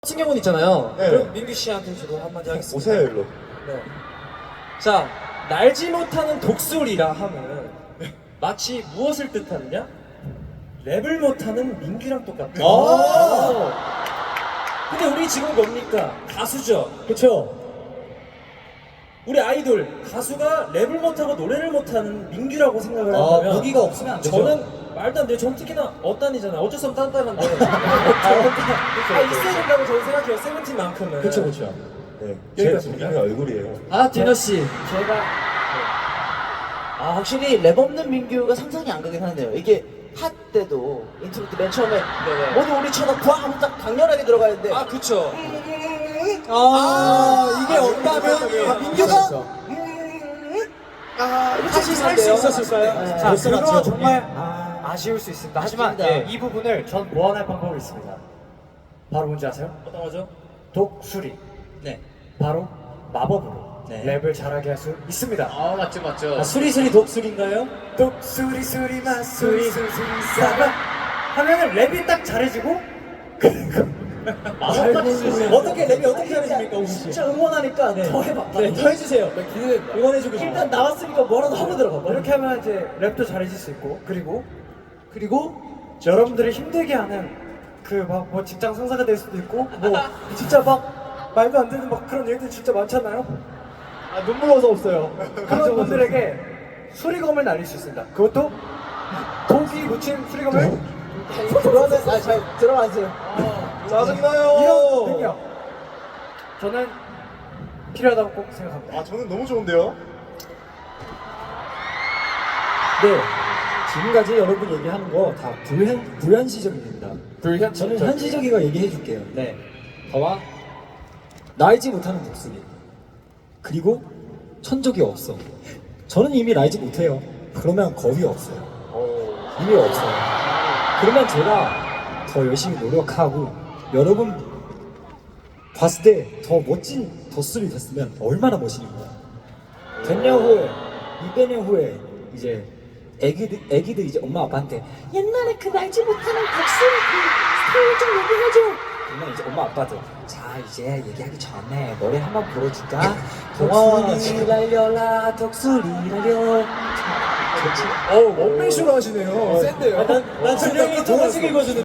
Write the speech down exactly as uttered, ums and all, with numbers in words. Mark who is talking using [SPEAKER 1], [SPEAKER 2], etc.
[SPEAKER 1] 칭경훈 있잖아요.
[SPEAKER 2] 네.
[SPEAKER 1] 그럼 민규 씨한테 저도 한마디 하겠습니다.
[SPEAKER 2] 오세요 일로.
[SPEAKER 1] 네. 자, 날지 못하는 독수리라 함은 마치 무엇을 뜻하느냐? 랩을 못하는 민규랑 똑같다.
[SPEAKER 2] 아.
[SPEAKER 1] 근데 우리 지금 뭡니까? 가수죠.
[SPEAKER 3] 그쵸?
[SPEAKER 1] 우리 아이돌 가수가 랩을 못하고 노래를 못하는 민규라고 생각을
[SPEAKER 3] 아,
[SPEAKER 1] 한다면
[SPEAKER 3] 무기가 없으면 안 되죠.
[SPEAKER 1] 저는 말도 안 돼요. 전 특히나 어단이잖아요. 어쩔 수 없는 딴딴한데 아, 있어야 된다고 저는 생각해요. 세븐틴만큼은.
[SPEAKER 3] 그쵸, 그쵸.
[SPEAKER 2] 네. 제
[SPEAKER 1] 여기까지입니다.
[SPEAKER 2] 본인의 얼굴이에요.
[SPEAKER 3] 아, 디너 씨.
[SPEAKER 4] 제가 아 확실히 랩 없는 민규가 상상이 안 가긴 하네요. 이게 핫 때도 인트로 때 맨 처음에
[SPEAKER 1] 네네.
[SPEAKER 4] 모두 우리 쳐다 꽝 딱 강렬하게 들어가는데
[SPEAKER 1] 아, 그쵸.
[SPEAKER 3] 아, 이게 없다면
[SPEAKER 4] 아, 민규가 아
[SPEAKER 3] 다시 살 수 있었을까요?
[SPEAKER 4] 네.
[SPEAKER 3] 자,
[SPEAKER 5] 자, 그거
[SPEAKER 3] 그렇죠.
[SPEAKER 5] 정말 아쉬울 수 있습니다. 하지만
[SPEAKER 4] 맞습니다.
[SPEAKER 5] 예, 이 부분을 전 보완할 방법이 있습니다. 바로 뭔지 아세요?
[SPEAKER 1] 어떤 거죠?
[SPEAKER 5] 독수리.
[SPEAKER 3] 네.
[SPEAKER 5] 바로 마법으로
[SPEAKER 3] 네.
[SPEAKER 5] 랩을 잘하게 할 수 있습니다.
[SPEAKER 3] 아, 맞죠, 맞죠. 아, 수리수리 독수리인가요?
[SPEAKER 5] 독수리 수리 마수리 수리 사바 하면은 랩이 딱 잘해지고 그리고
[SPEAKER 3] 어떻게 랩이 어떻게 잘해집니까, 우리 씨?
[SPEAKER 4] 진짜 응원하니까
[SPEAKER 3] 네.
[SPEAKER 4] 더 해봐.
[SPEAKER 3] 네, 더 해주세요. 기대된다. 응원해주고 싶어.
[SPEAKER 4] 일단 나왔으니까 뭐라도 하고 들어가.
[SPEAKER 5] 이렇게 하면 이제 랩도 잘해질 수 있고 그리고
[SPEAKER 4] 그리고
[SPEAKER 5] 여러분들이 힘들게 하는 그 막 뭐 직장 상사가 될 수도 있고 뭐 진짜 막 말도 안 되는 막 그런 일들 진짜 많잖아요.
[SPEAKER 3] 아, 눈물 어서 없어요.
[SPEAKER 5] 그런 분들에게 수리검을 날릴 수 있습니다. 그것도 독이 묻힌 수리검을
[SPEAKER 4] 그러면 아잘 들어가세요.
[SPEAKER 2] 짜증나요.
[SPEAKER 5] 이런 능력 저는 필요하다고 꼭 생각합니다.
[SPEAKER 2] 아 저는 너무 좋은데요.
[SPEAKER 3] 네. 지금까지 여러분 얘기하는 거 다 불현, 불현시적입니다.
[SPEAKER 1] 불현
[SPEAKER 3] 저는 현시적인 얘기해 줄게요.
[SPEAKER 1] 네.
[SPEAKER 3] 봐봐. 날지 못하는 독수리. 그리고 천적이 없어. 저는 이미 날지 못해요. 그러면 겁이 없어요. 이미 없어요. 그러면 제가 더 열심히 노력하고 여러분 봤을 때 더 멋진 독수리 됐으면 얼마나 멋있는 거야. 백 년 후에, 이백 년 후에 이제 애기들, 애기들 이제 엄마 아빠한테 옛날에 그 날지 못하는 독수리 그 스토리 좀 얘기해줘. 그러면 이제 엄마 아빠들 자 이제 얘기하기 전에 노래 한번 불러줄까? 독수리 날려라 독수리 날려.
[SPEAKER 1] 어, 원맨쇼로 하시네요. 센데요.
[SPEAKER 3] 난, 난 준영이 동화책 읽어주는